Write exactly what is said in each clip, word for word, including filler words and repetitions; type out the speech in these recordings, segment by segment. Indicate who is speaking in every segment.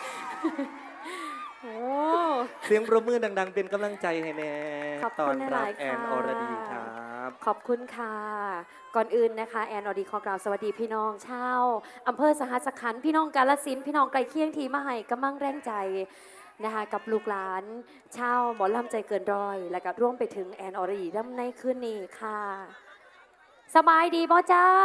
Speaker 1: โอ้
Speaker 2: เสียงประมือดังๆเป็นกำลังใจให้แน่
Speaker 1: ขอบ
Speaker 2: ตอ
Speaker 1: คุ
Speaker 2: น
Speaker 1: ณห
Speaker 2: รั
Speaker 1: ลา
Speaker 2: บ
Speaker 1: ยๆ
Speaker 2: แอน
Speaker 1: ค่ะ
Speaker 2: อรดีครับ
Speaker 1: ขอบคุณค่ะ ก่อนอื่นนะคะแอนอรดีขอกล่าวสวัสดีพี่น้องชาวอำเภอสหัสขันธ์พี่น้องกาฬสินธุ์พี่น้องไกลเคียงทีมาให้กำลังแรงใจนะคะกับลูกหลานชาวหมอลำใจเกินร้อย และก็ร่วมไปถึงแอนอรดีร่ำในคืนนี้ค่ะ สบายดีบ่จ้า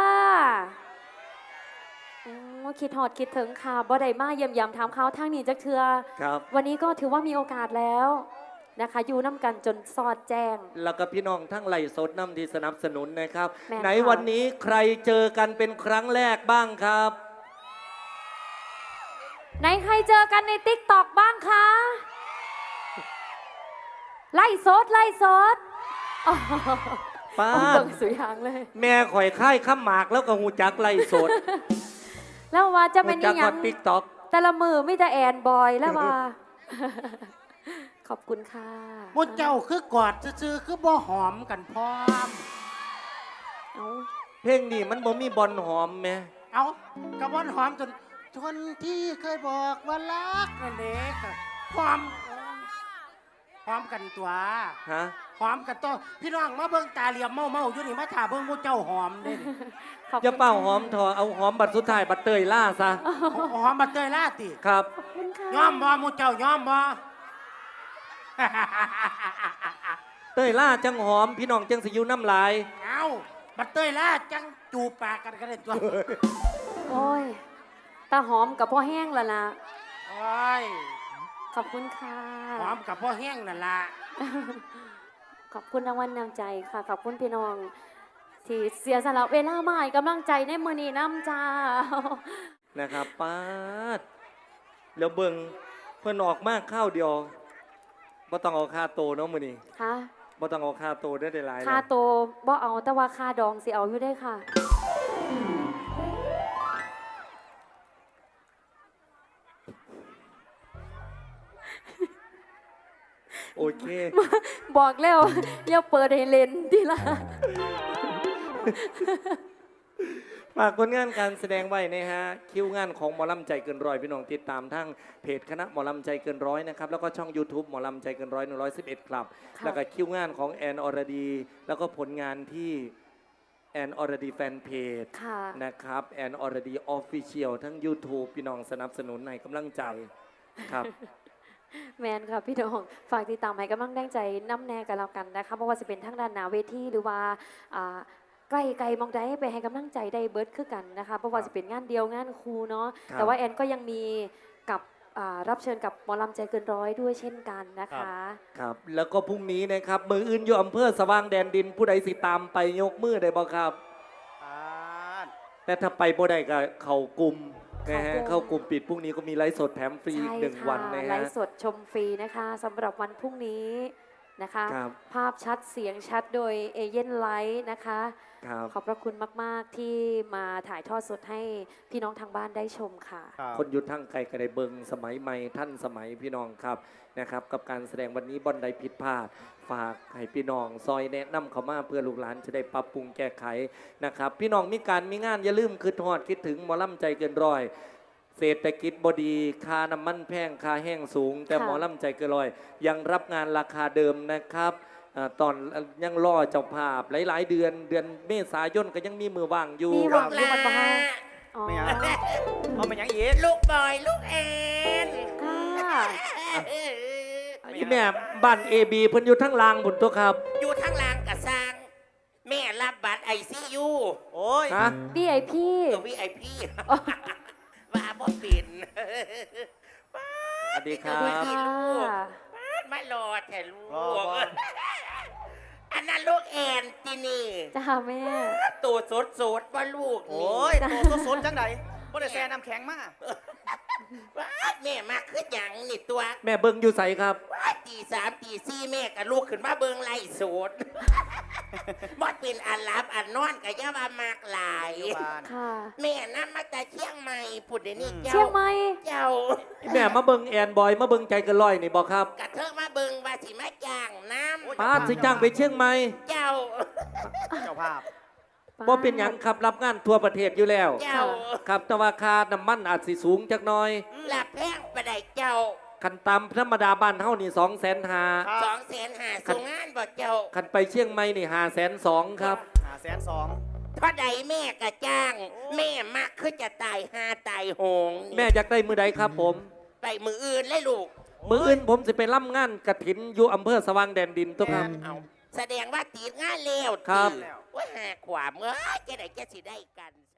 Speaker 1: โอ้คิดหอดคิดถึงค่ะบ่ได้มาเยี่ยมยามถามเขาวทางนี้จักเทือ
Speaker 2: ครับ
Speaker 1: วันนี้ก็ถือว่ามีโอกาสแล้วนะคะ อยู่น้ำกันจนสอดแจ้ง
Speaker 2: แล้วก็พี่น้องทั้งไหลฟ์สดน้ำที่สนับสนุนนะครับ
Speaker 1: แม่น
Speaker 2: ไหน
Speaker 1: ค่ะ
Speaker 2: วันนี้ใครเจอกันเป็นครั้งแรกบ้างครับ
Speaker 1: ไหนใครเจอกันในติ๊กตอกบ้างคะ ไล่สดไล่สดอ๋อ
Speaker 2: ป้า
Speaker 1: เอา
Speaker 2: ด
Speaker 1: เบิ่งสุยางเลย
Speaker 2: แม่ข่อยค่ายข้ามหมากแล้วก็หูจักไหลฟ์สด
Speaker 1: แล้วว่าจะ
Speaker 2: หู
Speaker 1: เป็น
Speaker 2: จั
Speaker 1: อีหยั
Speaker 2: ว่าง ติ๊กต็อก
Speaker 1: แต่ละมือไม่แต่แอนบอยแล้วว่า ขอบคุณค่ะ
Speaker 3: มุเจ้าคือกอดซื่อๆคือบ่หอมกันพร้อม
Speaker 1: เอา
Speaker 2: เพลงนี้มันบ่มีบอลหอมแม่
Speaker 3: เอากระบอนหอมจนจนที่เคยบอกว่ารักนั่นเองหอมหอมกันตัว
Speaker 2: ฮะ
Speaker 3: หอมกันตัวพี่น้องมาเบิ่งตาเหลี่ยมเมาเมาๆอยู่นี่มาถ่าเบิ่งมุเจ้าหอมเด้นี่
Speaker 1: ขอบคุณ
Speaker 2: อย่าเป่าหอมทอเอาหอมบัดสุดท้ายบัดเตยล่าซะ
Speaker 3: หอมมาเตยล่าติ
Speaker 2: ครับ
Speaker 1: ขอบคุณค่ะ
Speaker 3: ยอมบ่มุเจ้ายอมบ่
Speaker 2: เตยล่าจังหอมพี่น้องจังสิอยู่น้ำลาย
Speaker 3: เอาบัดเตยล่าจังจูบปากกันกันเลยตัว
Speaker 1: โอ้ยตาหอมกับพ่อแห้งแล้วล่ะ
Speaker 3: โอ้ย
Speaker 1: ขอบคุณค่ะ
Speaker 3: หอมกับพ่อแห้งนั่นล่ะ
Speaker 1: ขอบคุณรางวัลนำใจค่ะ ขอบคุณพี่น้อง ที่เสียสละเวลามาให้กำลังใจในมือนี้น้ำจ้า
Speaker 2: นะครับป้าดแล้วเบิ่งเพิ่นออกมากข้าวเดียวบ่ต้องเอาค่าโตเนาะมื้อนี้
Speaker 1: ค่ะ
Speaker 2: บ่ต้องเอาค่าโตได้ได้หลาย
Speaker 1: ค่า
Speaker 2: เนาะ
Speaker 1: โตบ่เอาแต่ว่าค่าดองสิเอาอยู่ได้ค่ะ
Speaker 2: โอเค
Speaker 1: บอกแล้ว อย่าเปิดให้เล่นทีละ
Speaker 2: ฝากผลงานการแสดงไว้นะฮะคิวงานของหมอลำใจเกินร้อยพี่น้องติดตามทั้งเพจคณะหมอลำใจเกินร้อยนะครับแล้วก็ช่อง YouTube หมอลำใจเกินร้อยหนึ่งร้อยสิบเอ็ดครับ
Speaker 1: ค่ะ
Speaker 2: แล้วก็คิวงานของแอนอรดี แล้วก็ผลงานที่แอนอรดีแฟนเพจ
Speaker 1: ค่ะ
Speaker 2: นะครับแอนอรดีออฟฟิเชียลทั้ง YouTube พี่น้องสนับสนุนในกำลังใจครับ
Speaker 1: แมนค่ะพี่น้อง ฝากติดตามให้กำลังแรงใจน้ำแน่กันแล้วกันนะคะเพราะว่าจะเป็นทั้งด้านหนาเวทีหรือว่าอ่าใกล้ไกลมองได้ไปให้กำลังใจได้เบิร์ดคือกันนะคะเพราะว่าจะเป็นงานเดียวงานครูเนาะ
Speaker 2: ครับ
Speaker 1: แต่ว่าแอนก็ยังมีกับอ่ารับเชิญกับหมอลำใจเกินร้อยด้วยเช่นกันนะคะ
Speaker 2: ครับแล้วก็พรุ่งนี้นะครับมืออื่นอยู่อำเภอสว่างแดนดินผู้ใดสิตามไปยกมือได้บ่ครับ แต่ถ้าไปบ่ได้ก็เข้ากลุ่มนะฮะ
Speaker 1: เข้ากลุ่ม
Speaker 2: เข้ากลุ่มปิดพรุ่งนี้ก็มีไลฟ์สดแถมฟรีอีก
Speaker 1: ใช่
Speaker 2: หนึ่ง
Speaker 1: ค่ะ
Speaker 2: วันนะ
Speaker 1: ไล
Speaker 2: ฮะ
Speaker 1: ฟ์สดชมฟรีนะคะสำหรับวันพรุ่งนี้นะคะ
Speaker 2: ครับ
Speaker 1: ภาพชัดเสียงชัดโดยเอเย่นไลท์นะคะ
Speaker 2: ครับ
Speaker 1: ขอบพระคุณมาก ๆ ที่มาถ่ายทอดสดให้พี่น้องทางบ้านได้ชมค่ะ
Speaker 2: คนหยุดทั้งไกลก็ได้เบิงสมัยใหม่ท่านสมัยพี่น้องครับนะครับกับการแสดงวันนี้บอนใดผิดพลาด ฝากให้พี่น้องซอยแนะนำเขามาเพื่อลูกหลานจะได้ปรับปรุงแก้ไขนะครับพี่น้องมีการมีงานอย่าลืมคิดฮอดคิดถึงหมอลำใจเกินร้อยเศรษฐกิจบดีค่าน้ำมันแพงค่าแห้งสูง แต่
Speaker 1: ค่ะ
Speaker 2: หมอลำใจเกินร้อย ยังรับงานราคาเดิมนะครับอ่าตอนยังรอเจ้าภาพหลาย ๆ เดือนเดือนเมษายนก็ยังมีมือว่างอยู่
Speaker 1: มีหวังอยู่มันบ้างอ๋อ
Speaker 4: ไม่เอา เอามายังอีก
Speaker 3: ลูกบอยลูกแอน
Speaker 1: ค่ะ
Speaker 2: อีแม่บ้านเอบีเพิ่นอยู่ทั้งลางบุญตัวครับ
Speaker 3: อยู่ทางลางกะสร้าง แม่รับบัตรไอซียู
Speaker 4: โอ้ย
Speaker 2: ฮะ
Speaker 1: พี่ไอพี่
Speaker 3: ตัววีไอพีว่าบ่ปิ่น
Speaker 2: สวัสดีครั
Speaker 1: สวัส
Speaker 2: บ
Speaker 1: ดีค่ะ
Speaker 3: ไม่รอแถ่ลู
Speaker 4: รอก บ่
Speaker 3: อันนั้นลูกแอนที่นี่
Speaker 1: จ้าแม่
Speaker 3: ตัวสดสดๆว่าลูก
Speaker 4: โอ้ยตัวสดๆจังไดบ่ได้แซ่น้ำแข็งมา
Speaker 3: ว้าแม่มาคือหยังนี่ตัว
Speaker 2: แม่เบิ่งอยู่ใสครับ
Speaker 3: ว้าตีสามตีสี่แม่กับลูกขึ้นมาเบิงไล่สด บอดเป็นอันรับอันนอนกับย่ามามากหลาย
Speaker 4: อยู่บ้าน
Speaker 1: ค่ะ
Speaker 3: แม่นั่มาแต่เชียงใหม่พูดเดี๋ยวนี้เจ้า
Speaker 1: เชียงใหม่
Speaker 3: เจ้า
Speaker 2: แม่มาเบิ่งแอนบอยมาเบิ่งใจเกันลอยนี่บอกครับ
Speaker 3: กระเทอะมาเบิงว่าสิมาจ้างน้
Speaker 2: ป้าดสิจ้างไปเชียงใหม่
Speaker 3: ำเจ้า
Speaker 4: เจ้าภาพ
Speaker 2: บ่เป็นหยังครับรับงานทั่วประเทศอยู่แล้ว
Speaker 5: เจ้า
Speaker 2: ครับแต่ว่าค่าน้ำมันอาจสิสูงจักหน่อย
Speaker 5: หลับแพงไปได้เจ้า
Speaker 2: คันตามธรรมดาบ้านเฮานี่สองแสนห้า
Speaker 5: สองแสนหาส่งงานบ่เจ้า
Speaker 2: คันไปเชียงใหม่นี่ห้าแสนสองครับ
Speaker 4: หาแสนสอง
Speaker 5: เท่าใดแม่กะจ้าง แม่มักคือจะตายหาตายโหง
Speaker 2: แม่อยากได้มือใดครับผม
Speaker 5: ไปมืออื่นเลยลูก
Speaker 2: มืออื่นผมสิไปร่ำงานกระถินอยู่อำเภอสว่างแดนดินตัวครับ
Speaker 5: เอาแสดงว่าตีดงานแล้ว
Speaker 2: ครับ
Speaker 5: ติว่าหาความเอ้ยจะไหนจะสิได้กัน